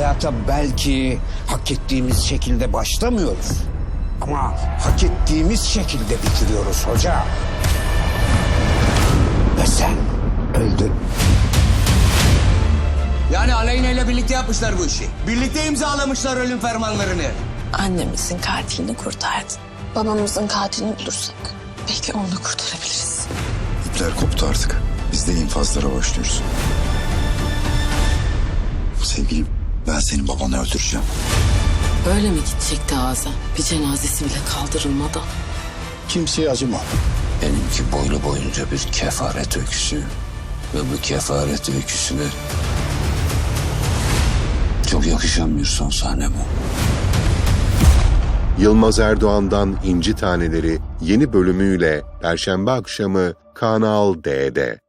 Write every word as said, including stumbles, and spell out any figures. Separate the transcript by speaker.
Speaker 1: hayata belki hak ettiğimiz şekilde başlamıyoruz. Ama hak ettiğimiz şekilde bitiriyoruz hoca. Ve sen öldün.
Speaker 2: Yani Aleyna ile birlikte yapmışlar bu işi. Birlikte imzalamışlar ölüm fermanlarını.
Speaker 3: Annemizin katilini kurtardın. Babamızın katilini bulursak belki onu da kurtarabiliriz.
Speaker 4: İpler koptu artık. Biz de infazlara başlıyoruz. Sevgilim, ben senin babanı öldüreceğim.
Speaker 3: Öyle mi gidecekti ağza? Bir cenazesi bile kaldırılmadan.
Speaker 4: Kimseye acıma.
Speaker 2: Benimki boylu boyunca bir kefaret öyküsü. Ve bu kefaret öyküsüne çok yakışan bir son sahne bu.
Speaker 5: Yılmaz Erdoğan'dan İnci Taneleri yeni bölümüyle Perşembe akşamı Kanal D'de.